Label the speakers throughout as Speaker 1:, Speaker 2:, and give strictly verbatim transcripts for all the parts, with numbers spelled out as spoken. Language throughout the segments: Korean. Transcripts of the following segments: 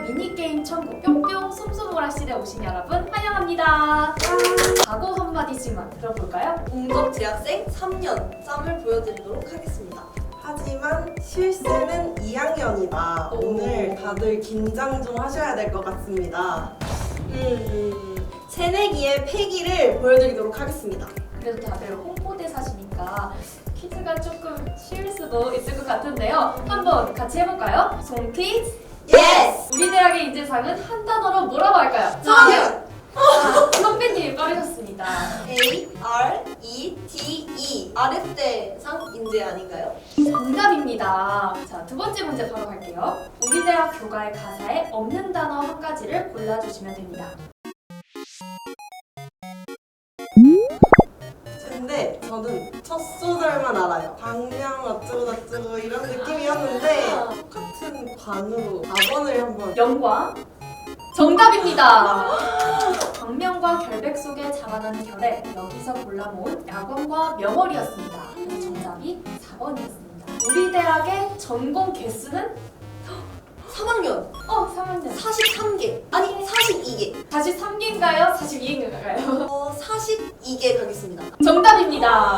Speaker 1: 미니게임 천국 뿅뿅 솜솜오락실에 오신 여러분 환영합니다. 각오 한마디씩만 들어볼까요?
Speaker 2: 공덕 재학생 삼 년 짬을 보여드리도록 하겠습니다.
Speaker 3: 하지만 실세는 이 학년이다.
Speaker 2: 오.
Speaker 3: 오늘 다들 긴장 좀 하셔야 될 것 같습니다. 음, 새내기의 패기를 보여드리도록 하겠습니다.
Speaker 1: 그래도 다들 홍보대사시니까 퀴즈가 조금 쉬울 수도 있을 것 같은데요. 한번 같이 해볼까요? 송 퀴즈!
Speaker 2: 예스!
Speaker 1: 우리 대학의 인재상은 한 단어로 뭐라고 할까요?
Speaker 2: 성현!
Speaker 1: 아, 선배님이 빠르셨습니다.
Speaker 2: A R E T E 아랫대상 인재 아닌가요?
Speaker 1: 정답입니다. 자, 두 번째 문제 바로 갈게요. 우리 대학 교과의 가사에 없는 단어 한 가지를 골라주시면 됩니다.
Speaker 3: 근데 저는 첫 소절만 알아요. 방명 어쩌고 저쩌고 이런 느낌이었는데 똑같은 관으로 사 번을 한번.
Speaker 1: 영광 정답입니다. 광명과 결백 속에 자라나는 결에 여기서 골라 모은 야광과 명월이었습니다. 그래서 정답이 사 번이었습니다. 우리 대학의 전공 개수는
Speaker 2: 삼 학년
Speaker 1: 어, 삼 학년.
Speaker 2: 사십삼 개 아니 사십이 개
Speaker 1: 사십삼 개인가요? 사십이 개인가요?
Speaker 2: 어, 사십이 개 가겠습니다.
Speaker 1: 정답입니다.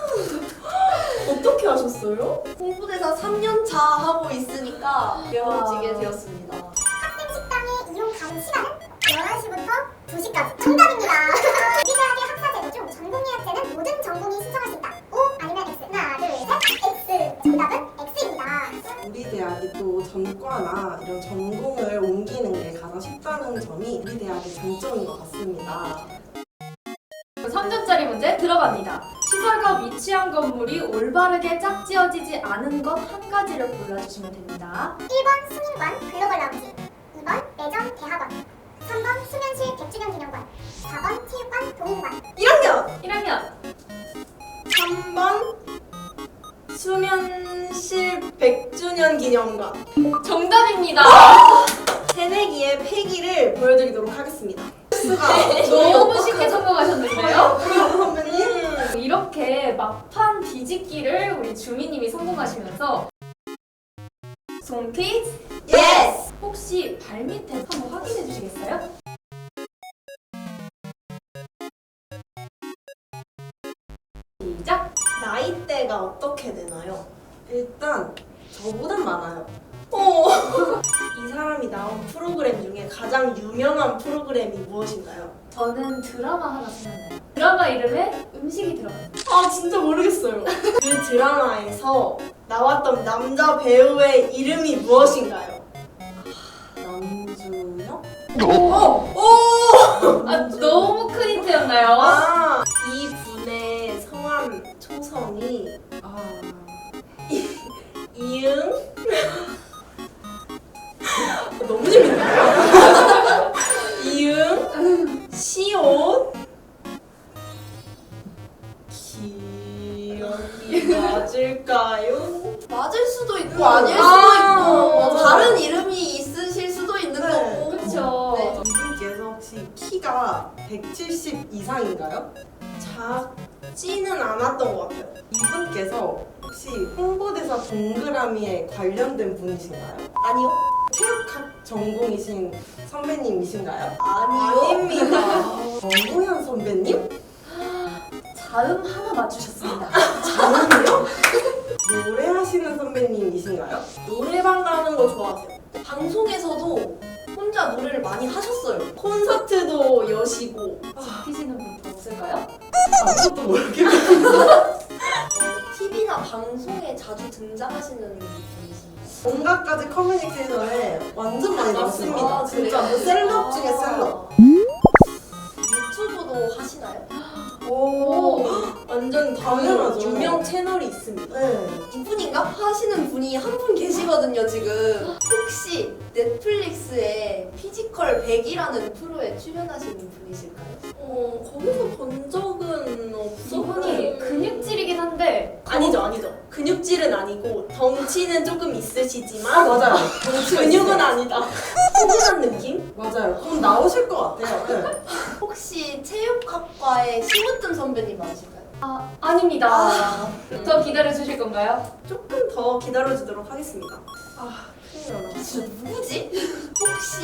Speaker 3: 어떻게 하셨어요?
Speaker 2: 홍보대사 삼 년 차 하고 있으니까 배워지게 되었습니다.
Speaker 4: 학생 식당의 이용 가능 시간은 열한 시부터 두 시까지. 정답입니다. 우리 대학의 학사 제도 중 전공 예약제는 모든 전공이 신청할 수 있다. O 아니면 X. 하나, 둘, 셋. X. 정답은 X입니다.
Speaker 3: 우리 대학이 또 전과나 이런 전공을 옮기는 게 가장 쉽다는 점이 우리 대학의 장점인 것 같습니다.
Speaker 1: 삼 점짜리 문제 들어갑니다. 시설과 위치한 건물이 올바르게 짝지어지지 않은 것 한 가지를 골라주시면 됩니다.
Speaker 4: 일 번 승인관 글로벌 라운지, 이 번 매점 대학원, 삼 번 수면실 백 주년 기념관, 사 번 체육관 동인관.
Speaker 2: 일 학년
Speaker 1: 일 학년
Speaker 3: 삼 번 수면실 백 주년 기념관.
Speaker 1: 정답입니다.
Speaker 3: 새내기의 패기를 보여드리도록 하겠습니다. 수가
Speaker 1: 너무 쉽게 성공하셨는데요?
Speaker 3: 선배님.
Speaker 1: 이렇게 막판 뒤집기를 우리 주미님이 성공하시면서 송 퀴즈
Speaker 2: 예스!
Speaker 1: 혹시 발밑에 한번 확인해 주시겠어요? 시작!
Speaker 3: 나이대가 어떻게 되나요? 일단 저보단 많아요. 어. 이 사람이 나온 프로그램 중에 가장 유명한 프로그램이 무엇인가요?
Speaker 1: 저는 드라마 하나 생각나요. 드라마 이름에 음식이 들어가요.
Speaker 3: 아 진짜 모르겠어요. 그 드라마에서 나왔던 남자 배우의 이름이 무엇인가요? 아, 남준혁? 어! 오!
Speaker 1: 아, 너무 큰 힌트였나요?
Speaker 3: 아, 이 분의 성함 초성이 아 이, 이응? 너무 재밌네요. 이응, 시옷, 기억이 맞을까요?
Speaker 2: 맞을 수도 있고
Speaker 3: 아,
Speaker 2: 아닐 수도
Speaker 3: 아,
Speaker 2: 있고
Speaker 3: 맞아.
Speaker 2: 다른 이름이 있으실 수도 있는
Speaker 3: 네.
Speaker 2: 거고.
Speaker 1: 그쵸.
Speaker 2: 네.
Speaker 3: 이분께서 혹시 키가 백칠십 이상인가요? 작지는 않았던 것 같아요. 이분께서 혹시 홍보대사 동그라미에 관련된 분이신가요?
Speaker 2: 아니요?
Speaker 3: 체육학 전공이신 선배님이신가요?
Speaker 2: 아니요?
Speaker 3: 아닙니다. 정우현 선배님?
Speaker 1: 자음 하나 맞추셨습니다.
Speaker 3: 자음이요? 노래하시는 선배님이신가요?
Speaker 2: 노래방 가는 거 좋아하세요? 방송에서도 혼자 노래를 많이 하셨어요.
Speaker 3: 콘서트도 여시고
Speaker 1: 지키시는 분 더 없을까요?
Speaker 3: 아무것도 모르겠어요.
Speaker 2: 티비나 방송에 자주 등장하시는 분이신가요?
Speaker 3: 온갖 가지 커뮤니케이션에 완전 많이 나왔습니다.
Speaker 2: 아,
Speaker 3: 진짜
Speaker 2: 그래요?
Speaker 3: 뭐 셀럽 중에 셀럽.
Speaker 2: 유튜브도 하시나요?
Speaker 3: 오, 완전 당연하죠.
Speaker 2: 유명 채널이 있습니다.
Speaker 3: 네.
Speaker 2: 이분인가? 하시는 분이 한 분 계시거든요, 지금. 혹시 넷플릭스에 피지컬 백이라는 프로에 출연하시는 분이실까요?
Speaker 3: 어, 거기서 본 적은 없어.
Speaker 1: 이분이 근육질이긴 한데
Speaker 5: 아니죠, 아니죠. 근육질은 아니고 덩치는 조금 있으시지만
Speaker 3: 아, 맞아요.
Speaker 5: 근육은 아니다. 포근한 느낌?
Speaker 3: 맞아요. 그럼 나오실 것 같아요. 네.
Speaker 2: 혹시 체육학과의 심으뜸 선배님 맞으실까요?
Speaker 1: 아, 아닙니다. 더 기다려 주실 건가요?
Speaker 5: 조금 더 기다려주도록 하겠습니다.
Speaker 3: 아, 큰일 났네.
Speaker 2: 진짜 누구지? 혹시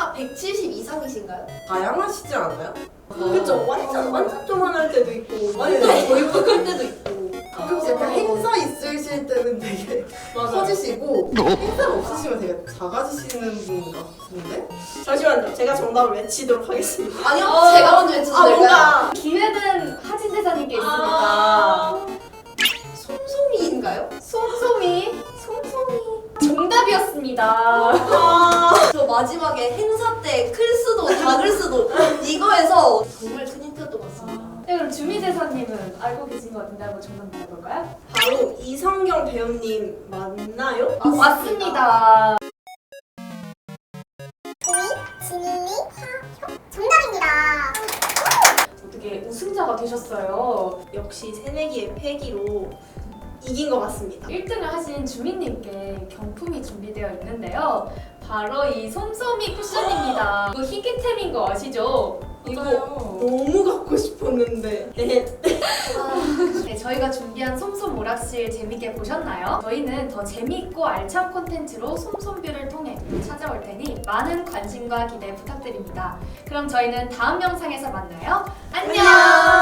Speaker 2: 키가 백칠십 이상이신가요?
Speaker 3: 다양하시지 않아요?
Speaker 5: 그쵸? 완전 완전 조만할 때도 있고 완전
Speaker 3: 네.
Speaker 5: 보이고 클 때도 있고.
Speaker 3: 가끔씩 약간 행사 있으실 때는 되게
Speaker 5: 맞아요.
Speaker 3: 커지시고 행사가 없으시면 되게 작아지시는 분 같은데?
Speaker 5: 잠시만요. 제가 정답을 외치도록 하겠습니다.
Speaker 2: 아니요,
Speaker 1: 어.
Speaker 2: 제가 먼저 외쳐도
Speaker 5: 아
Speaker 2: 될까요?
Speaker 5: 뭔가
Speaker 1: 기회는 하진 대사님께 있으니까.
Speaker 5: 아,
Speaker 2: 솜솜이인가요?
Speaker 1: 솜솜이? 솜솜이. 정답이었습니다.
Speaker 5: 아,
Speaker 2: 저 마지막에 행사 때 클 수도 작을 수도 이거에서 정말 큰 힌트였던 것 같습니다.
Speaker 1: 네, 그럼 주미 대사님은 알고 계신 것 같은데 한번 정답 말해볼까요?
Speaker 5: 바로 이성경 배우님 맞나요?
Speaker 1: 아, 맞습니다.
Speaker 4: 도희, 지민이, 화효 정답입니다.
Speaker 1: 어떻게 우승자가 되셨어요.
Speaker 5: 역시 새내기의 패기로 이긴 것 같습니다.
Speaker 1: 일 등을 하신 주민님께 경품이 준비되어 있는데요. 바로 이 솜솜이 쿠션입니다. 이거 희귀템인 거 아시죠?
Speaker 5: 이거
Speaker 1: 이거
Speaker 5: 너무 갖고 싶었는데.
Speaker 1: 네, 저희가 준비한 솜솜 오락실 재밌게 보셨나요? 저희는 더 재미있고 알찬 콘텐츠로 솜솜뷰를 통해 찾아올 테니 많은 관심과 기대 부탁드립니다. 그럼 저희는 다음 영상에서 만나요. 안녕!